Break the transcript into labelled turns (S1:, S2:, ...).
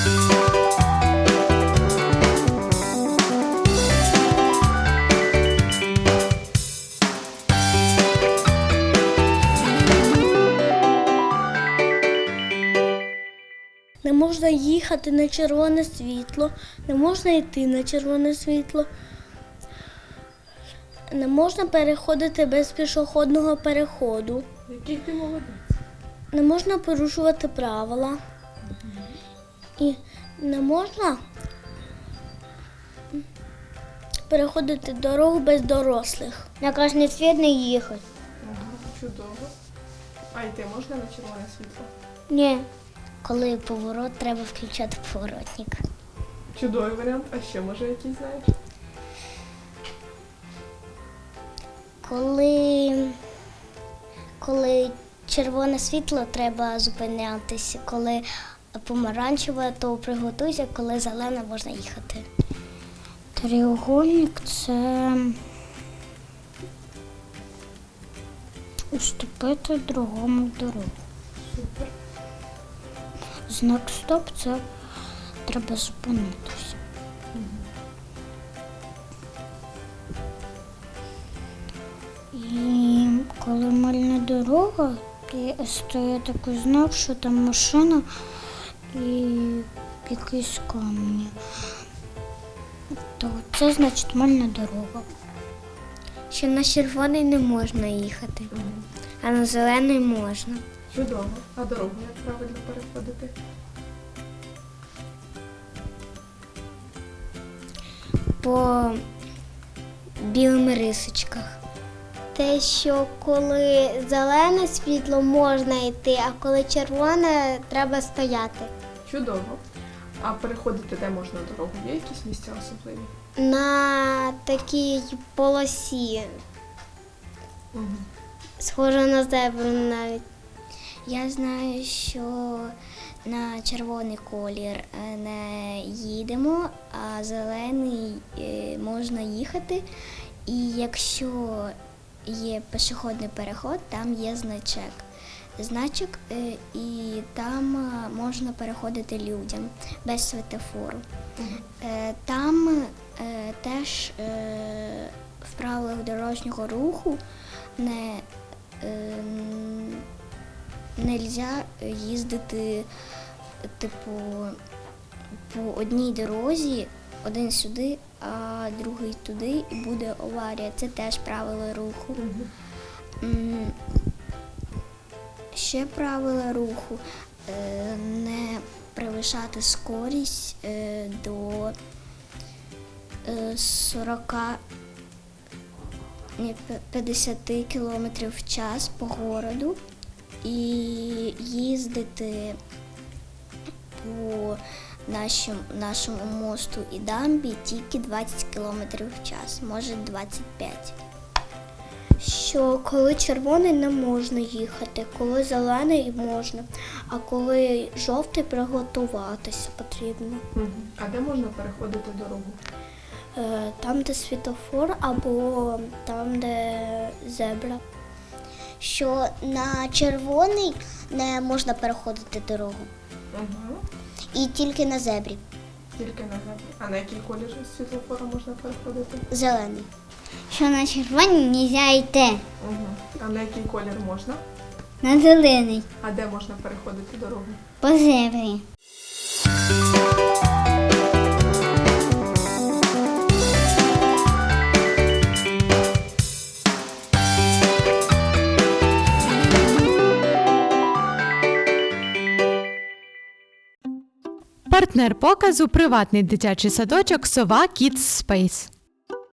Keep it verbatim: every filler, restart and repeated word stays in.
S1: Не можна їхати на червоне світло, не можна йти на червоне світло, не можна переходити без пішохідного переходу,
S2: Який ти молодець.
S1: не можна порушувати правила і не можна переходити дорогу без дорослих. На красний світ не їхати.
S2: Ага, чудово. А йти можна на червоне світло?
S1: Ні. Коли поворот, треба включати поворотник.
S2: Чудовий варіант. А ще, може, який знаєш?
S1: Коли, коли червоне світло, треба зупинятися. Коли помаранчеве, то приготуйся, коли зелене, можна їхати. Треугольник – це уступити другому дорогу.
S2: Супер.
S1: Знак «Стоп» – це треба зупинитися. І коли мальна дорога, і стоїть такий знак, що там машина і якісь камені, то це значить мальна дорога. Що на червоний не можна їхати,
S2: Угу.
S1: а на зелений можна.
S2: Чудово. А дорогу як правильно переходити?
S1: По білим рисочках. Те, що коли зелене світло можна йти, а коли червоне треба стояти.
S2: Чудово. А переходити де можна дорогу? Є якісь місця особливі?
S1: На такій полосі,
S2: Угу.
S1: схоже на зебру навіть. Я знаю, що на червоний колір не їдемо, а зелений можна їхати. І якщо є пішохідний переход, там є значок. Значок, і там можна переходити людям без світофору.
S2: Угу.
S1: Там теж в правилах дорожнього руху не не можна їздити типу, по одній дорозі, один сюди, а другий туди, і буде аварія. Це теж правила руху.
S2: Угу.
S1: Ще правила руху не перевищати скорість до сорок п'ятдесят кілометрів в час по городу і їздити по нашому, нашому мосту і дамбі тільки двадцять кілометрів в час, може двадцять п'ять. Що коли червоний не можна їхати, коли зелений можна, а коли жовтий приготуватися потрібно.
S2: Угу. А де можна переходити дорогу?
S1: Там, де світофор, або там, де зебра. Що на червоний не можна переходити дорогу.
S2: Угу.
S1: І тільки на зебрі.
S2: Тільки на зебрі. А на який колір світлофора можна переходити?
S1: Зелений. Що на червоний не можна йти.
S2: Угу. А на який колір можна?
S1: На зелений.
S2: А де можна переходити дорогу?
S1: По зебрі.
S3: Партнер показу – приватний дитячий садочок «Сова Kids Space».